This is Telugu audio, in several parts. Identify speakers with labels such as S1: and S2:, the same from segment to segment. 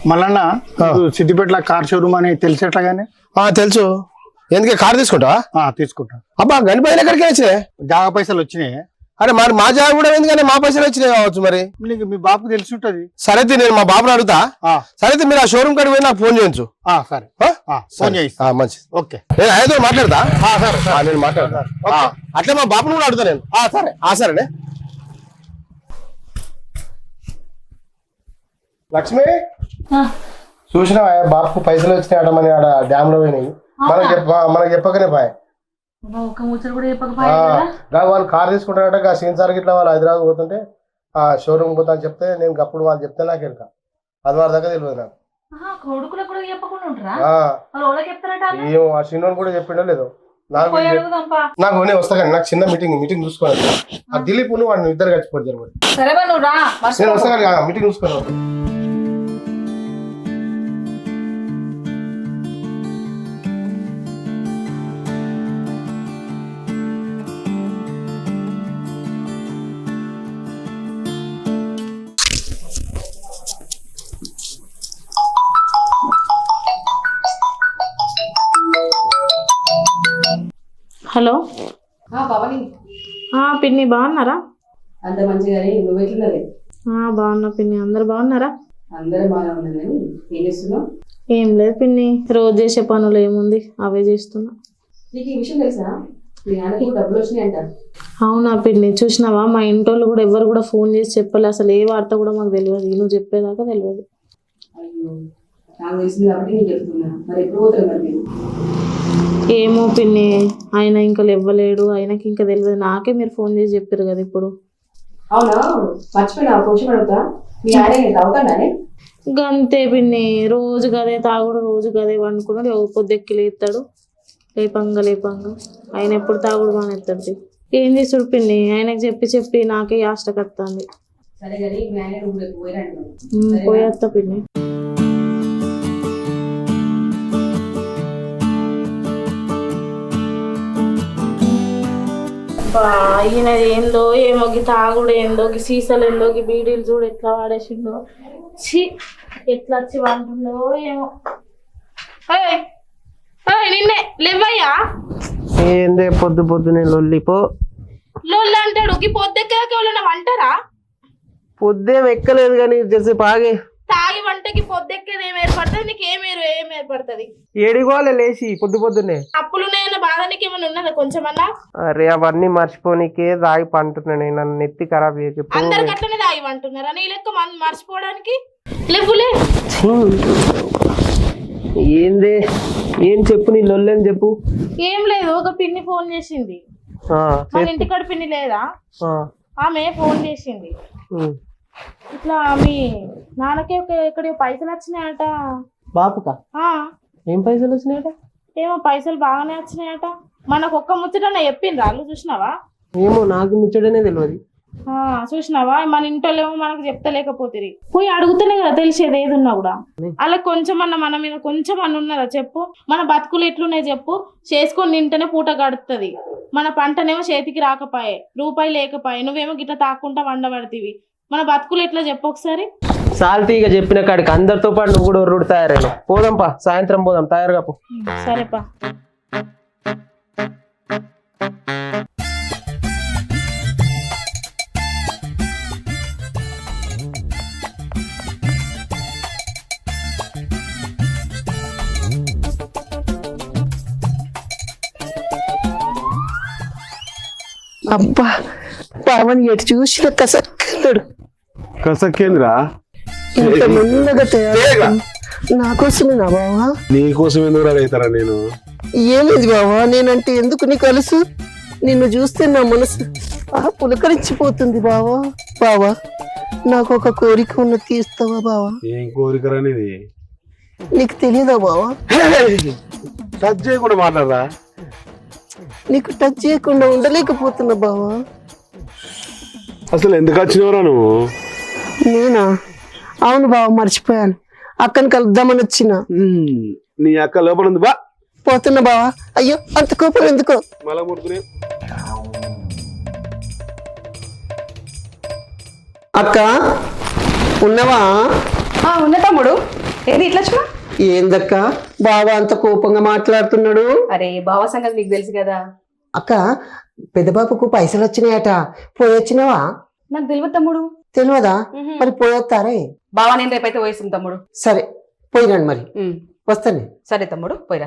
S1: మళ్ళా సిద్దిపేటలో కార్ షోరూమ్ అని తెలిసేట్లాగానే
S2: తెలుసు. ఎందుకే కార్ తీసుకుంటావా?
S1: తీసుకుంటా.
S2: అబ్బా గని పైన ఎక్కడికి వచ్చినాయి?
S1: జాగా పైసలు వచ్చినాయి.
S2: అరే మరి మా జాగా కూడా ఎందుకని మా పైసలు వచ్చినాయి కావచ్చు. మరి
S1: మీ బాబుకు తెలిసి ఉంటది.
S2: సరే నేను మా బాబుని అడుగుతా. సరే మీరు ఆ షోరూమ్ కాడికి పోయి నాకు ఫోన్ చేయొచ్చు.
S1: సరే ఫోన్ చేయి.
S2: మంచిది.
S1: ఓకే
S2: నేను ఆయనతో మాట్లాడతా. నేను మాట్లాడతా. అట్లా మా బాబుని కూడా అడుగుతా నేను. సరే సరేనే. లక్ష్మి చూసినా బాబుకు పైసలు వచ్చినాయట మన ఆడ డ్యామ్ లో పోయినాయి. మనకు చెప్పకనే పాయ. వాళ్ళు కార్ తీసుకుంటారట. సీన్ సార్ గిట్లా వాళ్ళు హైదరాబాద్ పోతుంటే ఆ షోరూమ్ పోతా అని చెప్తే నేను అప్పుడు వాళ్ళు చెప్తే నాకు వెనుక అది వారి దగ్గర తెలియదు నాకు. ఏమో ఆ చిన్నోడు కూడా చెప్పిండో లేదో నాకు. నేను వస్తా కానీ నాకు చిన్న మీటింగ్ చూసుకోవాలి. ఆ దిలీప్ వాడిని ఇద్దరు కలిసిపోయి జరుగుతుంది. నేను వస్తా కానీ మీటింగ్ చూసుకోవాలి.
S3: హలో
S4: పవని.
S3: పిన్ని బాగున్నారా?
S4: అంత మంచిగానే. నువ్వు ఎట్లున్నది?
S3: బాగున్నా పిన్ని. అందరు బాగున్నారా?
S4: అందరూ బాగా ఉన్నారు. కానీ ఏం చేస్తున్నావు?
S3: ఏం లేదు పిన్ని, రోజు చేసే పనులు ఏముంది అవే చేస్తున్నా.
S4: నీకు ఈ విషయం తెలుసా? మీ నాన్నకి డబ్బులు వచ్చినాయంట.
S3: అవునా పిన్ని? చూసినావా మా ఇంటోళ్ళు కూడా ఎవరు కూడా ఫోన్ చేసి చెప్పలే. అసలు ఏ వార్త కూడా మాకు తెలియదు. నువ్వు చెప్పేదాకా తెలియదు.
S4: అయ్యో నాకు తెలిసింది కాబట్టి నేను చెప్తున్నా. మరి ఎప్పుడు పోతారు మరి మీరు?
S3: ఏమో పిన్ని, ఆయన ఇంకా ఇవ్వలేడు. ఆయనకి ఇంకా తెలియదు. నాకే మీరు ఫోన్ చేసి చెప్పారు కదా ఇప్పుడు.
S4: అవునా మర్చిపోయినా కొంచెం అడుగుతా. మీ ఆయన తాగుతాడే?
S3: గంతే పిన్ని, రోజు గదే తాగుడు, రోజు గదే వండుకున్నాడు. పొద్దెక్కి లేస్తాడు. లేపంగా ఆయన ఎప్పుడు తాగుడు మానేస్తాడు. ఏం చేసుడు పిన్ని, ఆయనకు చెప్పి నాకే యాష్టకత్తాంది.
S4: సరే కానీ మీ ఆయన రూమ్
S3: పోయేస్తా పిన్ని. ఈయన ఏందో ఏమో, తాగుడు ఏందో, సీసాలు ఏందో, బీడీలు చూడు ఎట్లా వాడేసిండో. ఎట్లా వచ్చి వంటుండో ఏమో. నిన్నే లేవయ్యా.
S2: ఏందే పొద్దునే లొల్లిపో
S3: లొల్లి అంటాడు. పొద్దెక్కన వంటరా?
S2: పొద్దేం ఎక్కలేదు కానీ జెర్సీ పాగే
S3: తాగి వంటకి పొద్దెక్కేది ఏం ఏర్పడుతుంది? నీకేం ఏర్పడుతుంది?
S2: ఏడిగోలే లేచి పొద్దునే.
S3: అప్పులు నేను బాధ నీకు ఏమైనా ఉన్నదా కొంచెమన్నా?
S2: అరే అవన్నీ మర్చిపోనికే తాగి పంటున్నా. నేను నన్ను నెత్తి ఖరాబ్ చేయకు.
S3: అందరికి అట్లనే తాగి వంటున్నారా? నీ లెక్క మర్చిపోవడానికి లేవులే.
S2: ఏందే ఏం చెప్పు, నీ లొల్లేని చెప్పు.
S3: ఏం లేదు, ఒక పిన్ని ఫోన్ చేసింది. మన ఇంటికాడ పిన్ని లేదా, ఆమె ఫోన్ చేసింది. ఇట్లా మీ నాన్నకే ఇక్కడ పైసలు వచ్చినాయట.
S2: బాపుకా? ఏం పైసలు వచ్చినాయట?
S3: ఏమో పైసలు బాగానే వచ్చినాయట. మనకు ఒక్క ముచ్చట చెప్పిండ్రు వాళ్ళు, చూసినావా?
S2: ఏమో నాకు ముచ్చటనే తెలియదు.
S3: చూసినావా? మన ఇంటోళ్ళేమో మనకు చెప్తలేకపోతుంది. పోయి అడుగుతూనే కదా తెలిసేది ఏది ఉన్నా కూడా. అలా కొంచెం అన్న మన మీద కొంచెం అన్న ఉన్నదా చెప్పు? మన బతుకులు ఎట్లున్నాయి చెప్పు? చేసుకొని తింటేనే పూట గడుస్తుంది. మన పంటనేమో చేతికి రాకపోయే, రూపాయి లేకపోయే, నువ్వేమో గిట్లా తాక్కుంటా వండబడితివి. మన బతుకులు ఎట్లా చెప్పు ఒకసారి?
S2: సాల్తీగా చెప్పిన కాడికి అందరితో పాటు నువ్వు కూడా ఒర్రుడు తయారైన. పోదాంపా, సాయంత్రం పోదాం. తయారుగా పో.
S3: సరేపా.
S5: అబ్బా పావని ఎటు చూసిన కసక్కడు.
S6: కసక్కేంద్రా?
S5: ఇంత మెల్లగా తయారు నా కోసమే నా బావా?
S6: నీకోసం ఎందుకు అడుగుతారా? నేను
S5: ఏమైంది బావా? నేనంటే ఎందుకు నీకు అలుసు? నిన్ను చూస్తే నా మనసు పులకరించిపోతుంది బావా. బావా నాకు ఒక కోరిక ఉన్న తీస్తావా బావా?
S6: ఏం కోరికరా నీది?
S5: నీకు తెలియదా బావా?
S6: టచ్ చేయకుండా మాట్లాడరా?
S5: నీకు టచ్ చేయకుండా ఉండలేకపోతున్నా బావా.
S6: అసలు ఎందుకు వచ్చినవరా నువ్వు?
S5: నేనా? అవును బావ, మర్చిపోయాను. అక్కని కలుద్దామని వచ్చిన.
S6: నీ అక్క లోపల ఉంది. బా
S5: పోతున్నా బావా. అయ్యో అంత కోపం ఎందుకో.
S6: మళ్ళా ముడుకునే.
S5: అక్క ఉన్నవా?
S7: ఉన్న తమ్ముడు.
S4: ఏది ఇట్లా వచ్చినా?
S5: ఏందక్క బావ అంత కోపంగా మాట్లాడుతున్నాడు?
S4: అరే బావ సంగతి నీకు తెలుసు కదా.
S5: అక్క పెద్ద బాబుకు పైసలు వచ్చినాయట, పోయొచ్చినావా?
S4: నాకు తెలియదు తమ్ముడు.
S5: తెలియదా? మరి పోయొత్తారే.
S4: బావ నేను రేపైతే పోయిస్తాం తమ్ముడు.
S5: సరే పోయిరండి, మరి వస్తాను.
S4: సరే తమ్ముడు పోయిరా.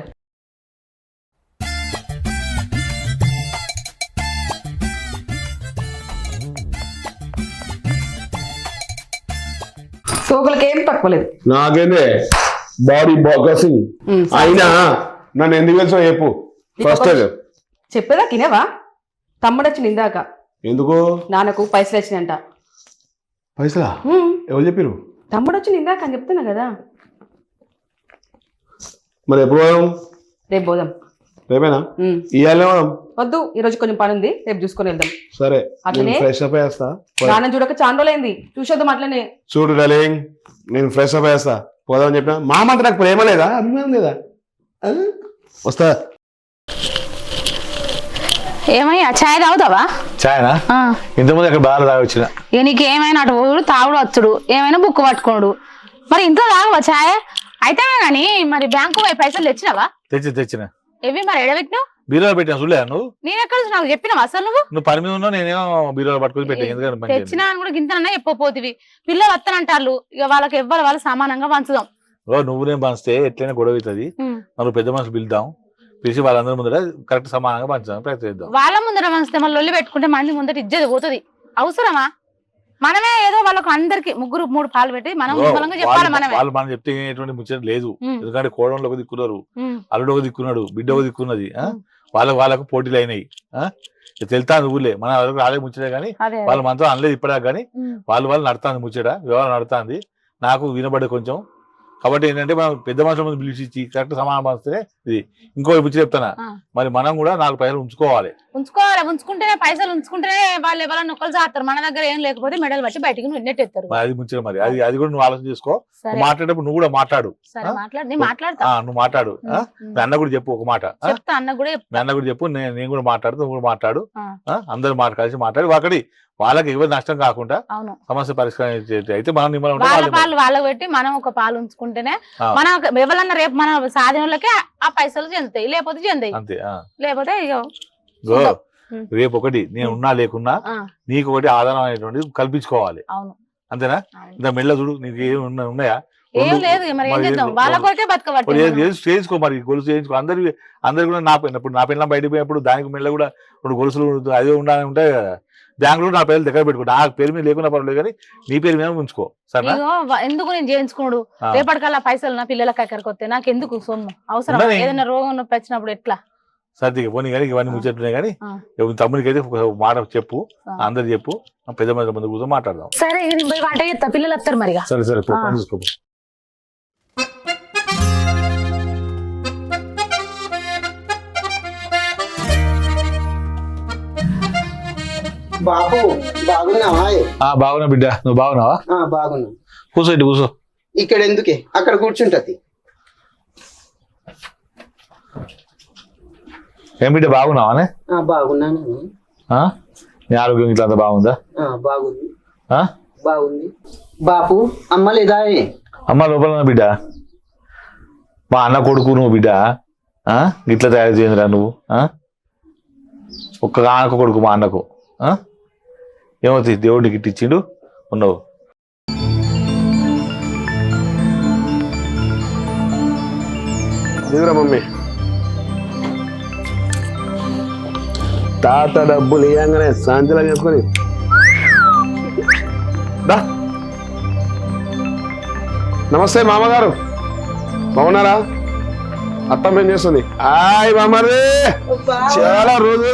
S4: సోకులకి ఏం తక్కువలేదు.
S6: నాకేందే బాడీ బాసింగ్ అయినా నన్ను ఎందుకు తెలుసో చెప్పు ఫస్ట్.
S4: చెప్పేదా తినేవా? తమ్ముడు వచ్చింది ఇందాక.
S6: ఎందుకు?
S4: నాన్నకు పైసలు వచ్చినాయంట.
S6: పైసలా? ఎవరు చెప్పిరు?
S4: తమ్ముడు వచ్చింది ఇందాక అని చెప్తున్నా కదా.
S6: మరి ఎప్పుడు పోదాం?
S4: రేపు పోదాం.
S6: రేపేనా? ఇవాళ పోదాం.
S4: వద్దు, ఈ రోజు కొంచెం పని ఉంది, రేపు చూసుకొని వెళ్దాం.
S6: సరే
S4: అట్లనే
S6: ఫ్రెష్ అప్ అయ్యేస్తా.
S4: నాన్న చూడక చాలా రోజులైంది, చూసేద్దాం. అట్లనే
S6: చూడు డార్లింగ్, నేను ఫ్రెష్ అప్ అయ్యేస్తా. పోదామని చెప్పిన మా మాట నాకు ప్రేమ లేదా, అభిమానం లేదా? వస్తా.
S3: ఏమయ్యా చాయ్ తాగుతావా?
S7: చాయనా? ఇంతకుముందు అక్కడ బాగా తాగొచ్చిన.
S3: ఇక నీకు ఏమైనా అటు పోడు తాగుడు వచ్చుడు, ఏమైనా బుక్ పట్టుకోడు. మరి ఇంట్లో తాగవా చాయ్? అయితే కానీ మరి బ్యాంకు పోయి పైసలు తెచ్చినావా?
S7: తెచ్చిన.
S3: ఏవి మరి ఎడబెట్టినావు?
S7: బీరోలో పెట్టినా చూడలే నువ్వు?
S3: నేను ఎక్కడ నాకు చెప్పినావా అసలు? నువ్వు
S7: పని మీద ఉన్నావు, నేనేమో బీరోలో పట్టుకొని పెట్టాను. ఎందుకంటే
S3: తెచ్చినా అని కూడా గింతనన్నా చెప్పపోతివి. పిల్లలు వస్తానంటారు, ఇక వాళ్ళకి ఎవ్వరు వాళ్ళు సమానంగా పంచుదాం.
S7: నువ్వు నేను పంచితే ఎట్లయినా గొడవ అవుతుంది. మనం పెద్ద మనుషులు పిలుద్దాం, పిలిచి వాళ్ళందరి ముందర కరెక్ట్ సమానంగా పంచుదాం ప్రయత్నిద్దాం. వాళ్ళ ముందర పంచితే మళ్ళీ లొల్లి పెట్టుకుంటే మంది ముందర ఇజ్జది పోతుంది. అవసరమా? మనమే ఏదో వాళ్ళకు అందరికి ముగ్గురు 3 పాలు పెట్టి మనం చెప్పాలి. మనమే వాళ్ళు మనం చెప్తే ఎటువంటి ముచ్చట లేదు. ఎందుకంటే కోడంలో ఒక దిక్కున్నారు, అల్లుడు ఒక దిక్కున్నాడు, బిడ్డ ఒక దిక్కున్నది. వాళ్ళకు పోటీలు అయినాయి. తెలుతా నువ్వులే, మన వాళ్ళకి రాలే ముచ్చటే కానీ వాళ్ళు మనతో అనలేదు ఇప్పటిదాకా. కానీ వాళ్ళు నడుతుంది ముచ్చట, వ్యవహారం నడుతుంది. నాకు వినబడే కొంచెం. కాబట్టి ఏంటంటే మనం పెద్ద మనుషుల ముందు పిలిచి కరెక్ట్ సమానం పంచితే ఇది. ఇంకో ముచ్చట చెప్తానా, మరి మనం కూడా 4 పైసలు ఉంచుకోవాలి.
S3: ఉంచుకుంటేనే పైసలు ఉంచుకుంటేనే వాళ్ళు ఎవరైనా నొక్కలు చేస్తారు. మన దగ్గర ఏం లేకపోతే మెడల్ బట్టి బయటికి నెట్టేస్తారు.
S7: అది ముచ్చట. మరి అది కూడా నువ్వు ఆలోచన చేసుకో. మాట్లాడేటప్పుడు నువ్వు కూడా మాట్లాడు. నువ్వు మాట్లాడు. మీ అన్న కూడా చెప్పు ఒక మాట. మీ అన్న కూడా చెప్పు, నేను కూడా మాట్లాడుతూ, నువ్వు కూడా మాట్లాడు. అందరూ కలిసి మాట్లాడి అక్కడి వాళ్ళకి ఎవరు నష్టం కాకుండా సమస్య పరిష్కారం అయితే మనం
S3: వాళ్ళకి పెట్టి మనం ఒక పాలు ఉంచుకుంటేనే మనం ఎవరన్నా రేపు మన సాధనలకే ఆ పైసలు చెందుతాయి, లేకపోతే చెందాయి.
S7: అంతే. లేకపోతే
S3: రేపు
S7: ఒకటి నేను ఉన్నా లేకున్నా నీకు ఒకటి ఆధారం అనేటువంటిది కల్పించుకోవాలి. అంతేనా? ఇంత మెల్ల చూడు, నీకు ఏమి ఉన్నాయా?
S3: ఏం లేదు. మరి ఏం చేద్దాం? వాళ్ళ కొరకే బతకబట్టి
S7: చేసుకో. మరి గొలుసు చేయించుకో. అందరు కూడా నా పిల్ల బయటకు పోయినప్పుడు దానికి మెల్ల కూడా 2 గొలుసులు అదే ఉండాలని ఉంటాయి కదా. బ్యాంకులో నా పేరు దగ్గర పెట్టుకో. నా పేరు మీద లేకున్నా పర్లేదు కానీ నీ పేరు మీద ఉంచుకో. సరే?
S3: ఎందుకు నేను చేయించుకోడు? రేపటికల్లా పైసలు నా పిల్లలకి ఎక్కడికి వస్తే నాకు ఎందుకు సొమ్ము? అవసరం ఏదైనా రోగం నొప్పి వచ్చినప్పుడు ఎట్లా?
S7: సర్దిగా పోనీ కానీ ఇవన్నీ ముచ్చట్లున్నాయి. కానీ తమ్ముడికి అయితే ఒక మాట చెప్పు, అందరు చెప్పు, పెద్ద మంది ముందు కూర్చొని మాట్లాడదాం.
S3: సరే వంట చేస్తా, పిల్లలు వస్తారు మరి.
S7: సరే చూసుకో.
S5: బాబు బాగున్నావా?
S7: బాగున్నా బిడ్డ, నువ్వు బాగున్నావా?
S5: బాగున్నా.
S7: కూర్చో.
S5: ఇక్కడ ఎందుకే, అక్కడ కూర్చుంటది.
S7: ఏం బిడ్డ బాగున్నావానే?
S5: బాగున్నాను.
S7: నీ ఆరోగ్యం ఇట్లా అంతా బాగుందా?
S5: బాగుంది. బాపు అమ్మ లేదా?
S7: అమ్మ లోపల ఉన్నా బిడ్డ. మా అన్న కొడుకు నువ్వు బిడ్డ. ఇట్లా తయారు చేయండిరా నువ్వు. ఒక్క ఆనకు కొడుకు మా అన్నకు. ఏమవుతుంది, దేవుడికి ఇట్టి ఇచ్చిండు ఉన్నావు.
S6: మమ్మీ తాత డబ్బులు ఇవ్వగానే సాయంత్రం చేసుకొని నమస్తే మామగారు, బాగున్నారా? అత్తమ్మ ఏం చేస్తుంది? హాయ్ మామరే, చాలా రోజులు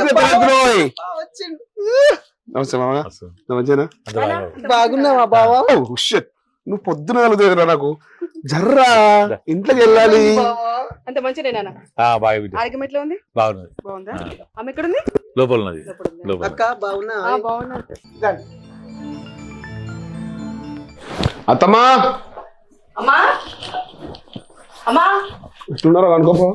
S6: నమస్తే మామ. మంచిగా
S5: బాగున్నావా బావా?
S6: నువ్వు పొద్దున కలుగుతుంది నాకు. జర్రా ఇంట్లోకి వెళ్ళాలి.
S4: అంత మంచిదేనా? ఆరోగ్యం ఎట్లా ఉంది? బాగుందా? అమ్మ ఎక్కడుంది?
S7: లోపల ఉన్నది.
S5: అక్క బాగున్నా?
S6: అత్తమ్మా
S4: అమ్మా అమ్మా
S6: ఎట్లున్నారో అనుకోపో.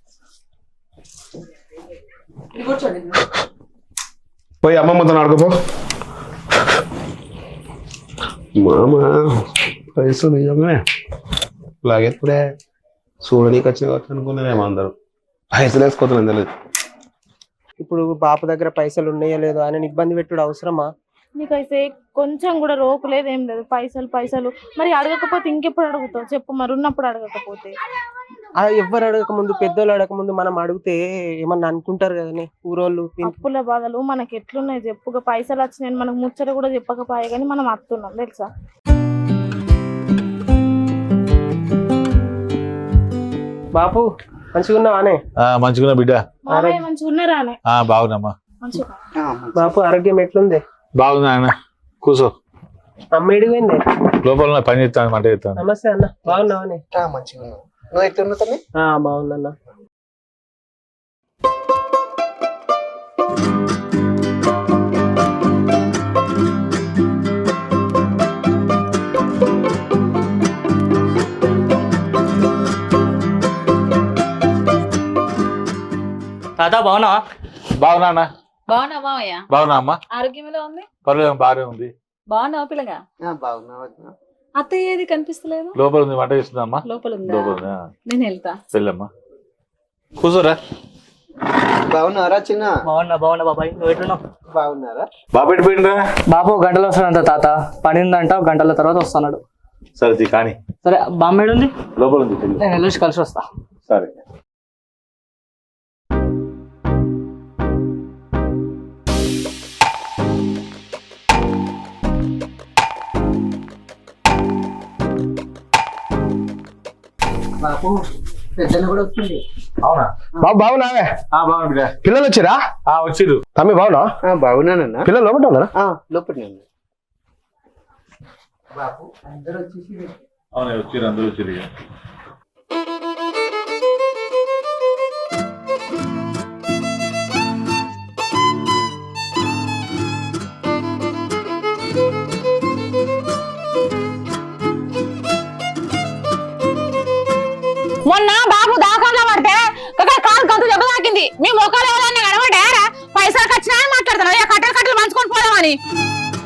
S4: కూర్చోండి.
S6: పోయి అమ్మమ్మతో ఆడుకోపో. మామ పైసలు ఇవ్వగానే లాగేప్పుడే చూడనీకి వచ్చిన అనుకున్నారేమో అందరూ పైసలు వేసుకోతున్నాను తెలియదు.
S5: ఇప్పుడు బాప దగ్గర పైసలు ఉన్నాయో లేదో ఆయన ఇబ్బంది పెట్టుడు అవసరమా?
S3: నీకైతే కొంచెం కూడా రోపు లేదు ఏం లేదు, పైసలు పైసలు. మరి అడగకపోతే ఇంకెప్పుడు అడుగుతావు చెప్పు, మరి ఉన్నప్పుడు అడగకపోతే.
S5: ఎవ్వరు అడగక ముందు, పెద్దోళ్ళు అడగక ముందు మనం అడిగితే ఏమన్నా అనుకుంటారు కదనే ఊరోళ్ళు.
S3: అప్పుల బాధలు మనకి ఎట్లున్నాయి చెప్పుగా, పైసలు వచ్చినాయని మనకు ముచ్చట కూడా చెప్పకపోయే కానీ మనం అత్తున్నాం తెలుసా.
S5: బాపు మంచిగా ఉన్నావానే?
S7: మంచిగా బిడ్డ.
S3: మామయ్య మంచిగా ఉన్నారా అనే?
S7: బాగున్నామ్మా.
S3: మంచిగా.
S5: బాపు ఆరోగ్యం ఎట్లుంది?
S7: బాగుంది ఆయన. కూర్చో.
S5: అమ్మ ఎడిపోయింది?
S7: లోపల పని చేస్తాను, మంట చేస్తాను.
S5: నమస్తే అన్న, బాగున్నావానే?
S1: మంచిగా ఉన్నావు. నువ్వు ఎట్లున్నావు తల్లి?
S5: బాగుందన్న.
S8: తాత బాగున్నావా?
S7: బాగున్నా అన్న.
S9: బాగున్నా మామయ్య?
S7: బాగున్నా అమ్మా.
S9: ఆరోగ్యం ఎలా ఉంది?
S7: పర్లేదు, బాగానే ఉంది.
S9: బాగున్నావా పిల్లగా?
S5: బాగున్నావా?
S9: అత్తయ్య ఏది కనిపిస్తలేదు?
S7: లోపల ఉంది, వంట చేస్తుందమ్మా.
S9: లోపల ఉందా?
S7: లోపల ఉందా?
S9: నేను వెళ్తా.
S7: వెళ్ళమ్మా, కూర్చోరా.
S5: బాగున్నారా చిన్న?
S8: బాగున్నా బాబాయ్, నువ్వు ఎట్లున్నావు?
S5: బాగున్నారా?
S7: బాబు ఎట్టిపోయిండ్రా?
S8: బాబు గంటలో వస్తాడంట తాత, పని ఉందంట, గంటల తర్వాత వస్తున్నాడు.
S7: సరే కానీ
S8: సరే, బామ్మేడు ఉంది
S7: లోపల ఉంది.
S8: నేను వెళ్ళి కలిసి వస్తా.
S7: సరే.
S5: బాపు పెద్దలు కూడా వస్తుంది.
S2: అవునా బాబు? బాగున్నావే?
S7: బాగున్నా బిడ్డ.
S2: పిల్లలు వచ్చిరా?
S7: వచ్చిర్రు.
S2: తమ్మి బాగున్నా?
S5: బాగున్నానన్నా.
S2: పిల్లలు లోపల ఉన్నారా?
S5: లోపల బాపు అందరూ వచ్చేసి
S7: అవునా, వచ్చిర్రు, అందరూ వచ్చిర్రు. ఇక
S3: మొన్న బాబు దాకాలో పడితే కాలు గంతు దెబ్బ తాకింది. మీ మొక్కలు ఎవరన్నా కనబడ్డారా? పైసలు ఖచ్చితంగా మాట్లాడుతున్నా, కట్టలు కట్టలు పంచుకొని పోదామని.